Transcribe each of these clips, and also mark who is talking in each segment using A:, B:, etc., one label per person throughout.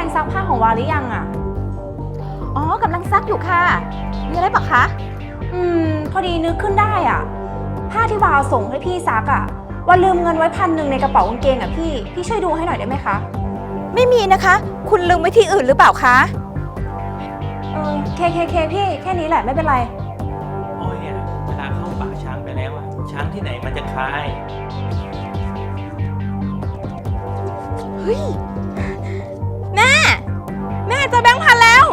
A: งซักผ้าของวาหรือยังอ่ะ
B: อ๋อกำลังซักอยู่ค่ะมีอะไรปะคะ
A: พอดีนึกขึ้นได้อ่ะผ้าที่วาวส่งให้พี่ซักอ่ะวาลืมเงินไว้1,100ในกระเป๋ากางเกงอ่ะพี่ช่วยดูให้หน่อยได้ไหมคะ
B: ไม่มีนะคะคุณลืมไว้ที่อื่นหรือเปล่าคะ
A: เคพี่แค่นี้แหละไม่เป็นไร
C: อ้อยอ่ะเวลาเข้าป่าช้างไปแล้วอ่ะช้างที่ไหนมันจะคลาย
B: เฮ้ยแม่เจอแบงค์พันแล้ว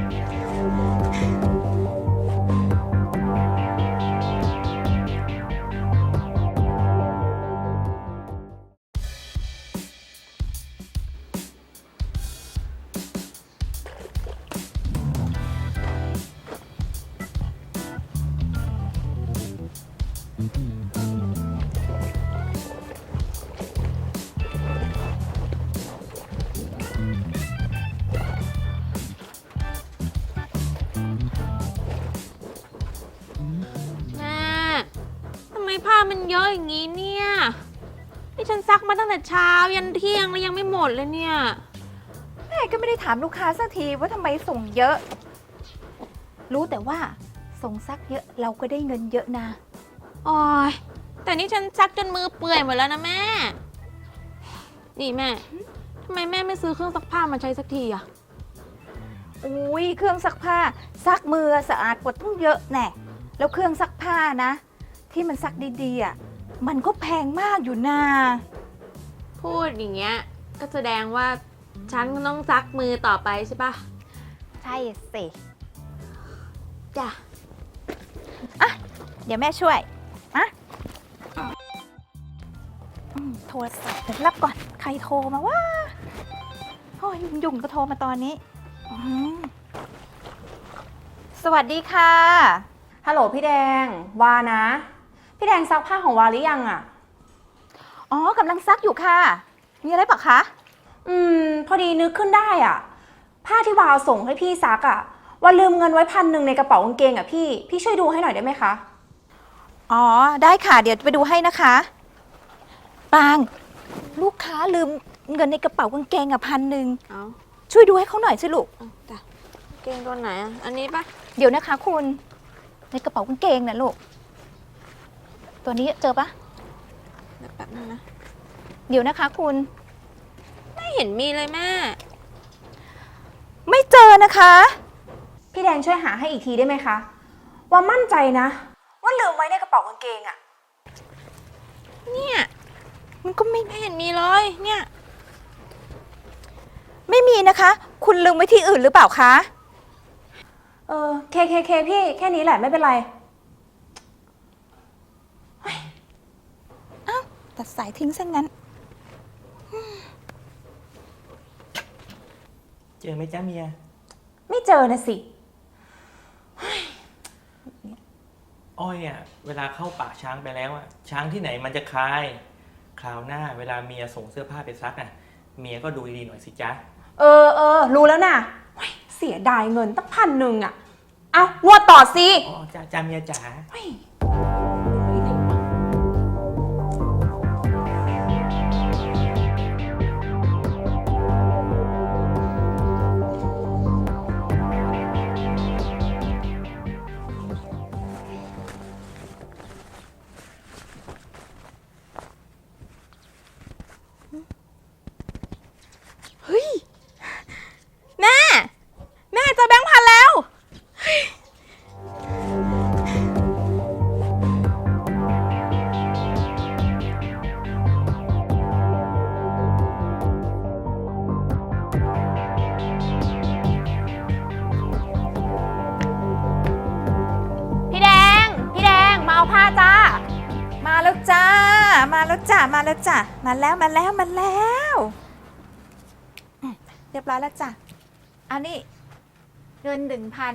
D: ทำไมผ้ามันเยอะอย่างนี้เนี่ยนี่ฉันซักมาตั้งแต่เช้ายันเที่ยงแล้วยังไม่หมดเลยเนี่ย
B: แม่ก็ไม่ได้ถามลูกค้าสักทีว่าทำไมส่งเยอะรู้แต่ว่าส่งซักเยอะเราก็ได้เงินเยอะนะ
D: โอ้ยแต่นี่ฉันซักจนมือเปื่อยหมดแล้วนะแม่นี่แม่ทำไมแม่ไม่ซื้อเครื่องซักผ้ามาใช้สักทีอะ
B: อุ้ยเครื่องซักผ้าซักมือสะอาดกว่าต้องเยอะแน่แล้วเครื่องซักผ้านะที่มันซักดีๆอ่ะมันก็แพงมากอยู่นะ
D: พูดอย่างเงี้ยก็แสดงว่าฉันต้องซักมือต่อไปใช่ปะ
B: ใช่สิ
D: จ้ะ
B: อ่ะเดี๋ยวแม่ช่วยอ่ะโทรศัพท์เดี๋ยวรับก่อนใครโทรมาว่าโอ้ยยุ่งก็โทรมาตอนนี้สวัสดีค่ะ
A: ฮัลโหลพี่แดงวานะพี่แดงซักผ้าของวาหรือยังอ่ะ
B: อ๋อกำลังซักอยู่ค่ะมีอะไรปะคะ
A: พอดีนึกขึ้นได้อ่ะผ้าที่วาวส่งให้พี่ซักอ่ะวาลืมเงินไว้1,100ในกระเป๋ากางเกงอ่ะพี่ช่วยดูให้หน่อยได้ไหมคะ
B: อ๋อได้ค่ะเดี๋ยวไปดูให้นะคะปางลูกค้าลืมเงินในกระเป๋ากางเกง1,100ช่วยดูให้เขาหน่อยสิลูก
D: จ้ะเกงตัวไหนอ่ะอันนี้ปะ
B: เดี๋ยวนะคะคุณในกระเป๋ากางเกงนะลูกตัวนี้เจอปะ
D: แป๊บนึงนะ
B: เดี๋ยวนะคะคุณ
D: ไม่เห็นมีเลยแม่
B: ไม่เจอนะคะ
A: พี่แดงช่วยหาให้อีกทีได้ไหมคะว่ามั่นใจนะว่าลืมไว้ในกระเป๋ากางเกงอ่ะ
D: เนี่ย
B: มันก็ไม่
D: เห็นมีเลยเนี่ย
B: ไม่มีนะคะคุณลืมไว้ที่อื่นหรือเปล่าคะ
A: เคพี่แค่นี้แหละไม่เป็นไร
B: อ้าวตัดสายทิ้งซะงั้น
C: เจอไหมจ๊ะเมีย
A: ไม่เจอนะสิ
C: อ้อยอ่ะเวลาเข้าป่าช้างไปแล้วอ่ะช้างที่ไหนมันจะคลายคราวหน้าเวลาเมียส่งเสื้อผ้าไปซักอ่ะเมียก็ดูดีๆหน่อยสิจ๊ะ
A: รู้แล้วนะเสียดายเงินตั้ง1,100อ่ะเอางวดต่อสิ
C: อ๋อจ้าเมียจ๋า
B: เฮ้ยแม่เจอแบงค์พันแล้ว
A: พี่แดงมาเอาผ้าจ้า
B: มาแล้วจ้ามาแล้วเรียบร้อยแล้วจ้ะอันนี้เงิน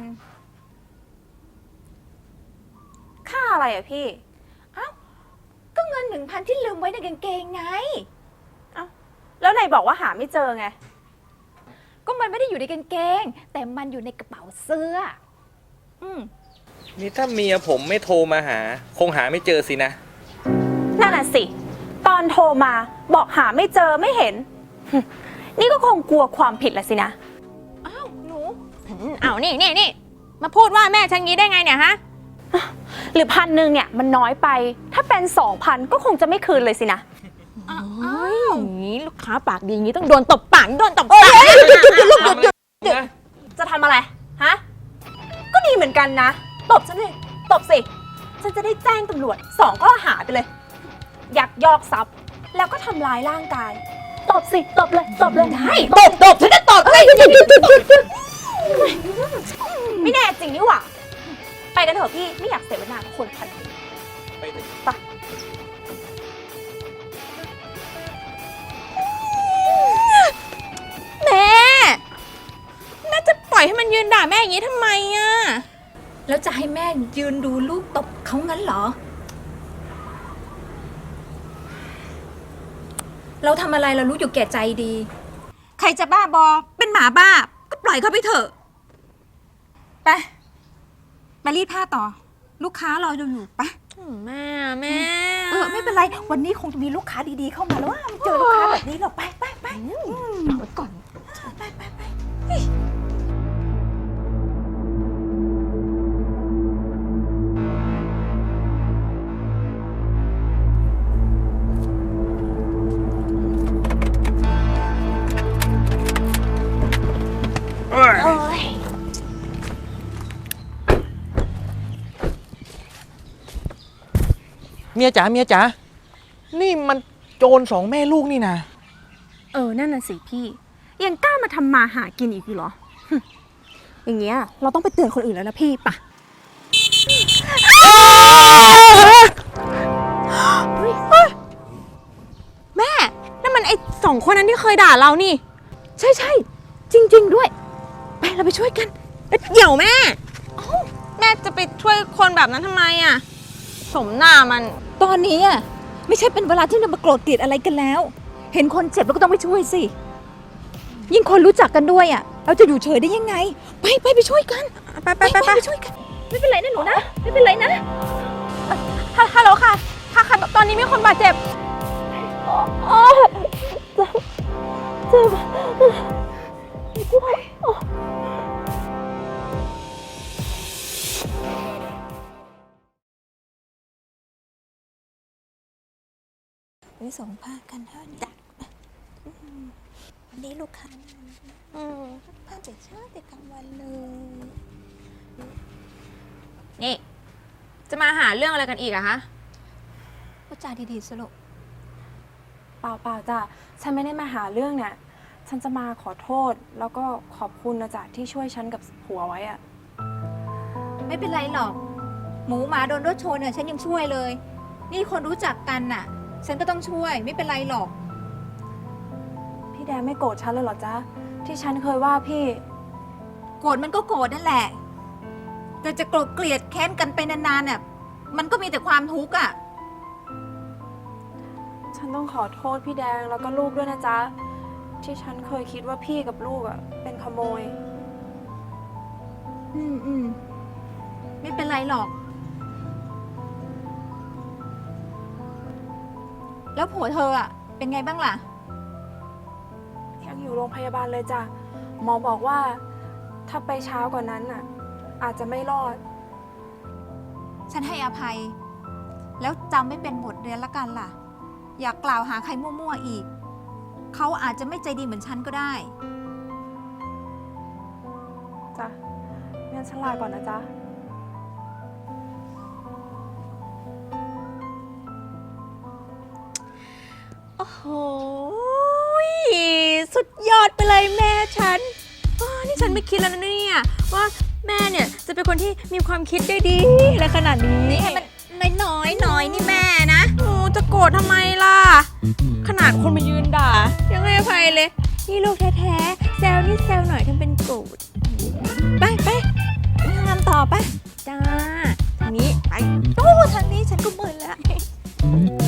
B: 1,000
A: ค่าอะไรอ่ะพี่
B: ก็เงิน1,000ที่ลืมไว้ในกางเกงไง
A: แล้วไหนบอกว่าหาไม่เจอไง
B: ก็มันไม่ได้อยู่ในกางเกงแต่มันอยู่ในกระเป๋าเสื้อ
C: นี่ถ้าเมียผมไม่โทรมาหาคงหาไม่เจอสินะ
A: นั่นน่ะสิตอนโทรมาบอกหาไม่เจอไม่เห็นนี่ก็คงกลัวความผิดละสินะ
D: เอานี่มาพูดว่าแม่ฉันงี้ได้ไงเนี่ยฮะ
A: หรือ1,000เนี่ยมันน้อยไป ถ้าเป็น 2,000 ก็คงจะไม่คืนเลยสินะ
D: อย่างนี้ลูกค้าปากดีอย่างนี้ต้องโดนตบปากโดนตบปาก
A: จะทำอะไร ฮะ ก็ดีเหมือนกันนะ ตบฉันเลยตบสิ ฉันจะได้แจ้งตำรวจ2 ข้อหาไปเลย ยักยอกทรัพย์ แล้วก็ทำร้ายร่างกาย ตบสิ ตบเลย ตบเลยได้ตบฉันจะตบเลยไม่แน่จริงนี่หว่า ไปกันเถอะพี่ ไม่อยากเสียเวลากับคนพันคนไป
D: แม่จะปล่อยให้มันยืนด่าแม่อย่างนี้ทำไมอ่ะ
B: แล้วจะให้แม่ยืนดูลูกตบเขางั้นเหรอ เราทำอะไรเรารู้อยู่แก่ใจดี ใครจะบ้าบอ เป็นหมาบ้า ก็ปล่อยเขาไปเถอะ ไปรีดผ้าต่อ ลูกค้ารออยู่ไป
D: แม่
B: ไม่เป็นไร วันนี้คงจะมีลูกค้าดีๆเข้ามาแล้วว่าไม่เจอลูกค้าแบบนี้หรอกไปเอาไว้ก่อน ไป
C: เมียจ๋านี่มันโจร2 แม่ลูกนี่นะ
A: นั่นน่ะสิพี่ ยังกล้ามาทำมาหากินอีกเหรอ อย่างเงี้ยเราต้องไปเตือนคนอื่นแล้วนะพี่ปะ
D: แม่นั่นมันไอ้2 คนนั้นที่เคยด่าเรานี่
B: ใช่จริง ๆ ด้วย ไปเราไปช่วยกัน
D: เดี๋ยวแม่แม่จะไปช่วยคนแบบนั้นทำไมอ่ะสมหน้ามัน
B: ตอนนี้อ่ะไม่ใช่เป็นเวลาที่เรามาโกรธเกลียดอะไรกันแล้ว เห็นคนเจ็บเราก็ต้องไปช่วยสิ ยิ่งคนรู้จักกันด้วยอ่ะ เราจะอยู่เฉยได้ยังไง ไปช่วยกัน
D: ไป
B: ช่วยกัน ไม่เป็นไรนะหนูนะ ไม่เป็นไรนะ
D: ฮัลโหลค่ะตอนนี้มีคนบาดเจ็บ
B: ไปส่งผ้ากันเถอะจ้ะวันนี้ลูกค้าผ้าแต่เช้าแต่กลางวันเลย
D: นี่จะมาหาเรื่องอะไรกันอีกอะคะ
B: พูดจาดีๆสรุป
A: เปล่าจ้ะ ฉันไม่ได้มาหาเรื่องเนี่ย ฉันจะมาขอโทษ แล้วก็ขอบคุณนะจ๊ะที่ช่วยฉันกับผัวไว้อะ
B: ไม่เป็นไรหรอก หมูหมาโดนรถชนเนี่ยฉันยังช่วยเลย นี่คนรู้จักกันน่ะ ฉันก็ต้องช่วย ไม่เป็นไรหรอก
A: พี่แดงไม่โกรธฉันเลยเหรอจ๊ะ ที่ฉันเคยว่าพี่
B: โกรธมันก็โกรธนั่นแหละ แต่จะโกรธเกลียดแค้นกันไปนานๆเนี่ยมันก็มีแต่ความทุกข์อ่ะ
A: ฉันต้องขอโทษพี่แดงแล้วก็ลูกด้วยนะจ๊ะ ที่ฉันเคยคิดว่าพี่กับลูกอะเป็นขโมย
B: ไม่เป็นไรหรอก แล้วผัวเธออ่ะ เป็นไงบ้างล่ะ
A: ยังอยู่โรงพยาบาลเลยจ้ะ หมอบอกว่าถ้าไปเช้ากว่านั้นน่ะ อาจจะไม่รอด
B: ฉันให้อภัย แล้วจำไม่เป็นบทเรียนละกันล่ะ อย่ากล่าวหาใครมั่วๆอีก เขาอาจจะไม่ใจดีเหมือนฉันก็ได้
A: จ้ะ งั้นฉันลาก่อนนะจ๊ะ
D: โอ้โหสุดยอดไปเลยแม่ฉันนี่ฉันไม่คิดแล้วนะเนี่ยว่าแม่เนี่ยจะเป็นคนที่มีความคิดได้ดีและขนาดนี้
B: นี่ให้มันน้อยนี่แม่นะ
D: โอ้จะโกรธทำไมล่ะ ขนาดคนมายืนด่ายังไม่อภัยเลย นี่ลูกแท้ๆแซวนี่แซวหน่อยทำเป็นโกรธ
B: ไปงานต่อไป
D: จ้าทางนี้ไป
B: โอ้ทางนี้ฉันก็มึนแล้ว